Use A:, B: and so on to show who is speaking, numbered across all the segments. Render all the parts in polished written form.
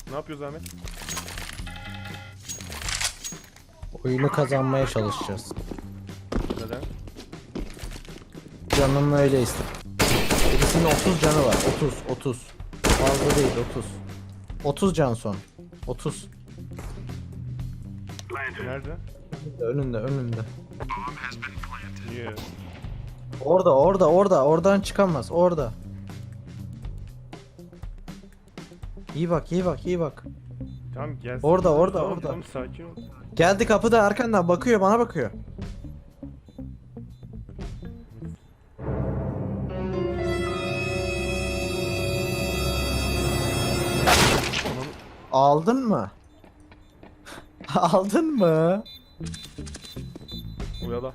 A: Ne yapıyoruz Ahmet?
B: Oyunu kazanmaya çalışacağız.
A: Neden?
B: Canım öyle istedim. Birisinin 30 canı var. 30. Fazla değil 30. 30 can son. 30.
A: Nerede?
B: Önünde.
A: Niye?
B: Oradan çıkamaz. Orada. İyi bak.
A: Tamam gelsin.
B: Orada.
A: Tamam sakin ol.
B: Geldi kapıda arkandan bakıyor, bana bakıyor. Aldın mı? Aldın mı?
A: Uyala.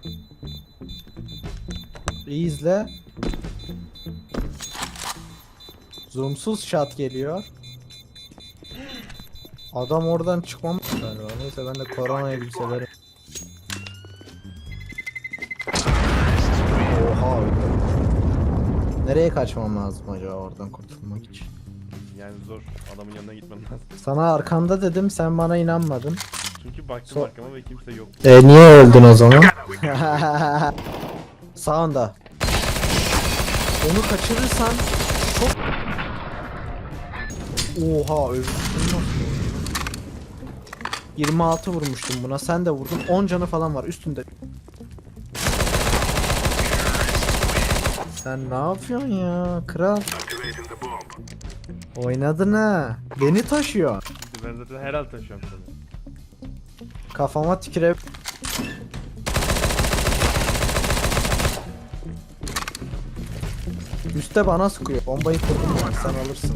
B: İyi izle. Zoomsuz shot geliyor. Adam oradan çıkmam galiba. Neyse ben de koronayı bir severim. Oha öyle. Nereye kaçmam lazım acaba oradan kurtulmak için?
A: Yani zor. Adamın yanına gitmem lazım.
B: Sana arkanda dedim, sen bana inanmadın.
A: Çünkü baktım arkama ve kimse yok.
B: Niye öldün o zaman? Sağında. Onu kaçırırsan çok... Oha öldüm. 26 vurmuştum buna, sen de vurdun. 10 canı falan var üstünde. Sen ne yapıyorsun ya kral? Oynadın ha. Beni taşıyor.
A: Ben zaten herhalde taşıyorum seni.
B: Kafama tüküre... Üste bana sıkıyor. Bombayı kurdum ben, sen alırsın.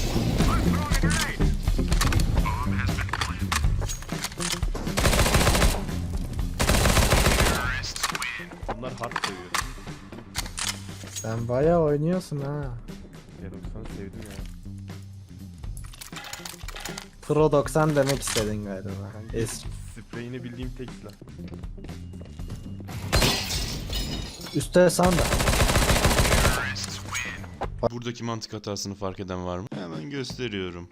A: Bunlar hard seviyor.
B: Sen bayağı oynuyorsun ha.
A: G90 sevdim ya.
B: Pro 90 demek istedin galiba.
A: Kanka, spreyini bildiğim tek silah.
B: Üste sanda.
C: Buradaki mantık hatasını fark eden var mı? Hemen gösteriyorum.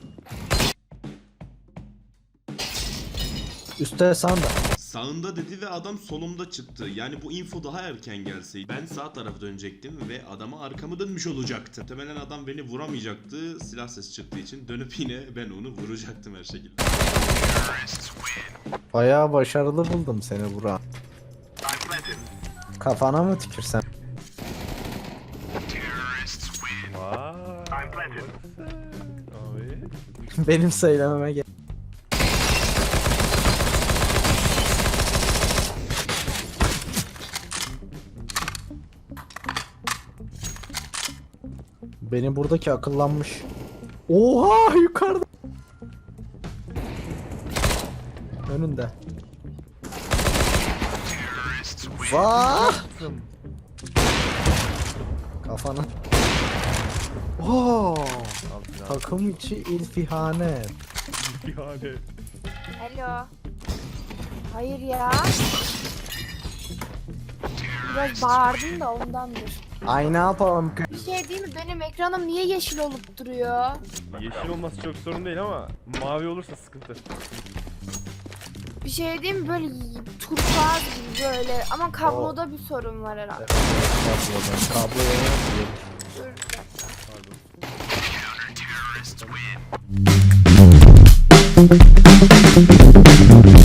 B: Üste sanda.
C: Sağında dedi ve adam solumda çıktı. Yani bu info daha erken gelseydi ben sağ tarafa dönecektim ve adama arkamı dönmüş olacaktım. Muhtemelen adam beni vuramayacaktı. Silah sesi çıktığı için dönüp yine ben onu vuracaktım her şekilde.
B: Bayağı başarılı buldum seni Burak. Kafana mı tükürsem?
A: Vaaay. Abi.
B: Benim söylememe gel. Benim buradaki akıllanmış. Oha yukarıda. Önünde. Vah! Kafana. Oo!
A: Al silah.
B: Takım içi ilfihanet.
A: Yani.
D: Alo. Hayır ya. Biraz bağırdım da ondandır.
B: Ay ne yapalım?
D: Bir şey değil mi? Benim ekranım niye yeşil olup duruyor?
A: Yeşil olması çok sorun değil ama mavi olursa sıkıntı.
D: Bir şey değil mi? Böyle turkuaz gibi böyle. Ama kabloda bir sorun var herhalde.
B: Kabloya
D: Dur bir dakika.
A: Pardon.